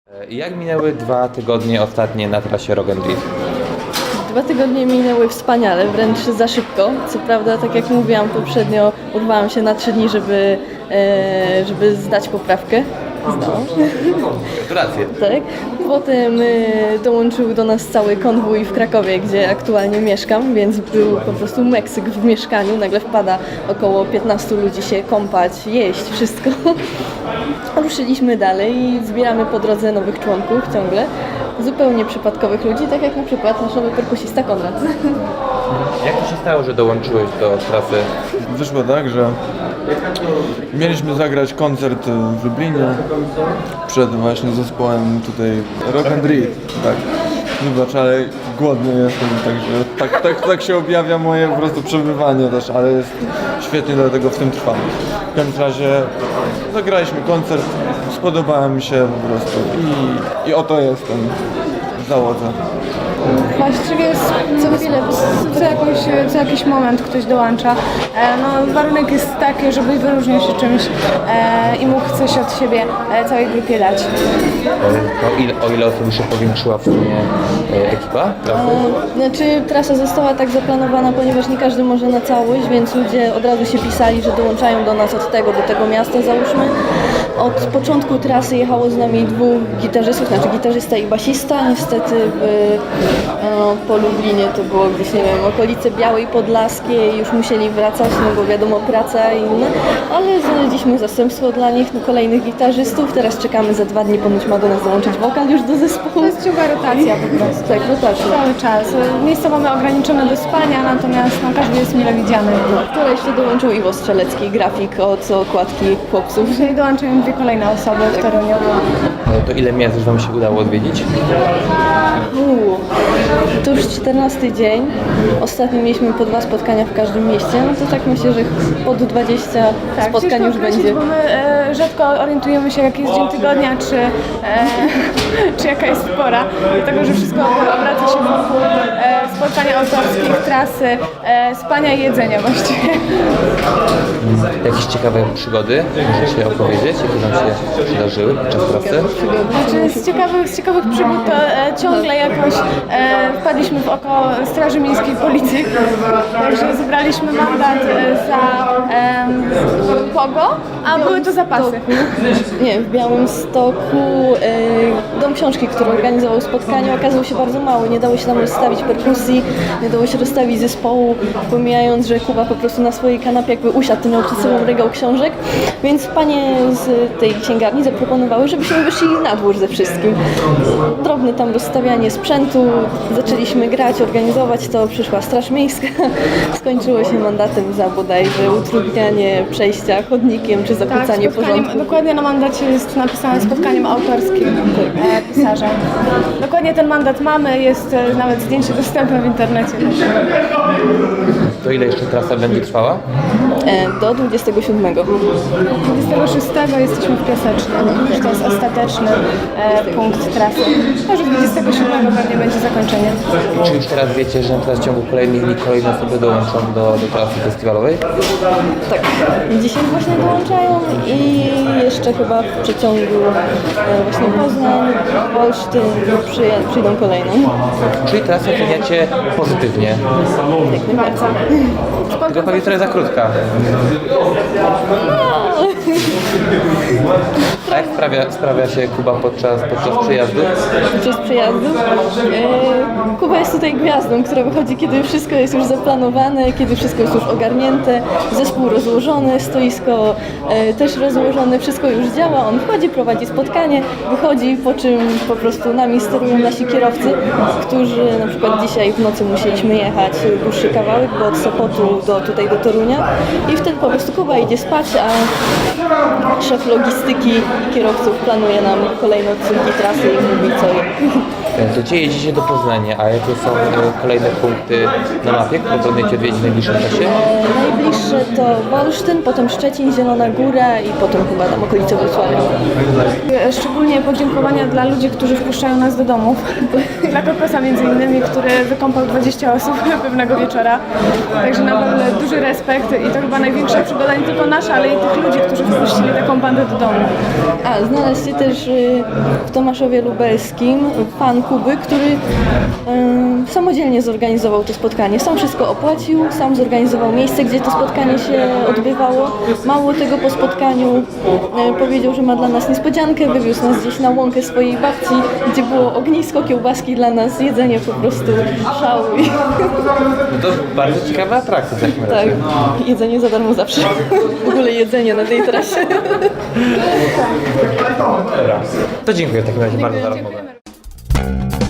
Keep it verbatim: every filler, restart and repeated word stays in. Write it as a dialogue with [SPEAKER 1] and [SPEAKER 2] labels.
[SPEAKER 1] Jak minęły dwa tygodnie ostatnie na trasie Rock and Drift?
[SPEAKER 2] Dwa tygodnie minęły wspaniale, wręcz za szybko. Co prawda, tak jak mówiłam poprzednio, urwałam się na trzy dni, żeby, e, żeby zdać poprawkę. Zdałam.
[SPEAKER 1] Gratulacje.
[SPEAKER 2] Tak. Potem e, dołączył do nas cały konwój w Krakowie, gdzie aktualnie mieszkam, więc był po prostu Meksyk w mieszkaniu. Nagle wpada około piętnastu ludzi się kąpać, jeść, wszystko. Ruszyliśmy dalej i zbieramy po drodze nowych członków ciągle. Zupełnie przypadkowych ludzi, tak jak na przykład nasz nowy perkusista Konrad.
[SPEAKER 1] Jak to się stało, że dołączyłeś do trasy?
[SPEAKER 3] Wyszło tak, że mieliśmy zagrać koncert w Lublinie przed właśnie zespołem tutaj Rock and Drift, tak. Wybacz, ale głodny jestem, także tak, tak, tak się objawia moje po prostu przebywanie też, ale jest świetnie, dlatego w tym trwam. W każdym razie zagraliśmy koncert, spodobała mi się po prostu i, i oto jestem w załodze.
[SPEAKER 4] Właściwie co chwilę, co, jakąś, co jakiś moment ktoś dołącza. E, no, warunek jest taki, żeby wyróżniał się czymś e, i mógł coś od siebie e, całej grupie dać.
[SPEAKER 1] O ile, o ile osób już się powiększyła w sumie e, ekipa trasy?
[SPEAKER 2] Znaczy, trasa została tak zaplanowana, ponieważ nie każdy może na całość, więc ludzie od razu się pisali, że dołączają do nas od tego do tego miasta, załóżmy. Od początku trasy jechało z nami dwóch gitarzystów, znaczy gitarzysta i basista. Niestety w, no, po Lublinie to było gdzieś, nie wiem, okolice Białej Podlaskiej, już musieli wracać, no bo wiadomo, praca i inne, ale znaleźliśmy zastępstwo dla nich, no, kolejnych gitarzystów. Teraz czekamy, za dwa dni ponoć ma do nas dołączyć wokal już do zespołu.
[SPEAKER 4] To jest ciągła rotacja po prostu.
[SPEAKER 2] Tak, rotacja.
[SPEAKER 4] Cały czas. Miejsca mamy ograniczone do spania, natomiast no, każdy jest mile widziany.
[SPEAKER 2] Wczoraj jeszcze dołączył Iwo Strzelecki, grafik od okładki chłopców.
[SPEAKER 4] Dzisiaj dołączają dwie kolejne osoby w Toruniu.
[SPEAKER 1] E, To ile miast już wam się udało odwiedzić?
[SPEAKER 2] Uuu, to już czternasty dzień. Ostatnio mieliśmy po dwa spotkania w każdym mieście, no to tak myślę, że pod dwadzieścia spotkań
[SPEAKER 4] ciężko
[SPEAKER 2] już
[SPEAKER 4] określić,
[SPEAKER 2] będzie.
[SPEAKER 4] Bo my e, rzadko orientujemy się, jaki jest dzień tygodnia, czy, e, czy jaka jest pora. Dlatego, że wszystko obraca się wokół e, spotkań autorskich, trasy, e, spania i jedzenia właściwie.
[SPEAKER 1] Jakieś ciekawe przygody możecie opowiedzieć, jakie wam się przydarzyły podczas trasy?
[SPEAKER 4] Znaczy, z, ciekawych, z ciekawych przygód to e, ciągle jakoś e, wpadliśmy w oko Straży Miejskiej Policji. Także zebraliśmy mandat e, za e, pogo, a były to zapasy.
[SPEAKER 2] Nie, w Białymstoku e, Dom Książki, który organizował spotkanie, okazał się bardzo mały. Nie dało się tam rozstawić perkusji, nie dało się rozstawić zespołu, pomijając, że Kuba po prostu na swojej kanapie jakby usiadł, to miał przed sobą regał książek, więc panie z tej księgarni zaproponowały, żebyśmy wyszli na dwór ze wszystkim. Drobne tam rozstawianie sprzętu, zaczęliśmy grać, organizować to, przyszła Straż Miejska, skończyło się mandatem za bodajże utrudnianie przejścia chodnikiem czy zakłócanie
[SPEAKER 4] Tak, spotkaniem-
[SPEAKER 2] porządku.
[SPEAKER 4] Dokładnie na mandacie jest napisane spotkaniem autorskim e, pisarza. Dokładnie ten mandat mamy, jest e, nawet zdjęcie dostępne w internecie.
[SPEAKER 1] To ile jeszcze trasa będzie trwała?
[SPEAKER 2] E, do dwudziestego siódmego.
[SPEAKER 4] dwudziestego szóstego jesteśmy w Piasecznym, już to jest ostateczny e, punkt trasy. Może dwudziestego siódmego pewnie będzie zakończenie.
[SPEAKER 1] Czy już teraz wiecie, że teraz w ciągu kolejnych dni kolejne osoby dołączą do, do trasy festiwalowej?
[SPEAKER 2] Tak, dzisiaj właśnie dołączają i jeszcze chyba w przeciągu e, właśnie Poznań, Olsztyn przyje- przyjdą kolejne.
[SPEAKER 1] Czyli trasę oceniacie pozytywnie.
[SPEAKER 4] Bardzo.
[SPEAKER 1] Tylko pewnie trochę za krótka. A jak sprawia, sprawia się Kuba podczas, podczas przejazdu?
[SPEAKER 2] Podczas przejazdu. E, Kuba jest tutaj gwiazdą, która wychodzi, kiedy wszystko jest już zaplanowane, kiedy wszystko jest już ogarnięte, zespół rozłożony, stoisko e, też rozłożone, wszystko już działa. On wchodzi, prowadzi spotkanie, wychodzi, po czym po prostu nami sterują nasi kierowcy, którzy na przykład dzisiaj w nocy musieliśmy jechać dłuższy kawałek, bo od Sopotu do tutaj do Torunia i wtedy po prostu Kuba idzie spać, a szef logistyki i kierowców planuje nam kolejne odcinki trasy i mówi co jak.
[SPEAKER 1] To gdzie jedziecie do Poznania, a jakie są e, kolejne punkty na mapie, które planujecie odwiedzić w najbliższym czasie?
[SPEAKER 2] E, najbliższe to Olsztyn, potem Szczecin, Zielona Góra i potem chyba tam okolice Wrocławia.
[SPEAKER 4] Szczególnie podziękowania dla ludzi, którzy wpuszczają nas do domów. Dla Kokosa między innymi, który wykąpał dwadzieścia osób pewnego wieczora. Także naprawdę duży respekt i to chyba największa przygoda nie tylko nasza, ale i tych ludzi, którzy wpuścili taką bandę do domu.
[SPEAKER 2] A, znalazł się też y, w Tomaszowie Lubelskim pan Kuby, który y, samodzielnie zorganizował to spotkanie. Sam wszystko opłacił, sam zorganizował miejsce, gdzie to spotkanie się odbywało. Mało tego, po spotkaniu y, powiedział, że ma dla nas niespodziankę, wywiózł nas gdzieś na łąkę swojej babci, gdzie było ognisko, kiełbaski dla nas, jedzenie po prostu szał. I,
[SPEAKER 1] No to bardzo ciekawa atrakcja w takim
[SPEAKER 2] tak,
[SPEAKER 1] razie.
[SPEAKER 2] jedzenie za darmo zawsze. W ogóle jedzenie na tej trasie.
[SPEAKER 1] Dobra. To dziękuję w takim razie bardzo za rozmowę.
[SPEAKER 2] Dziękujemy.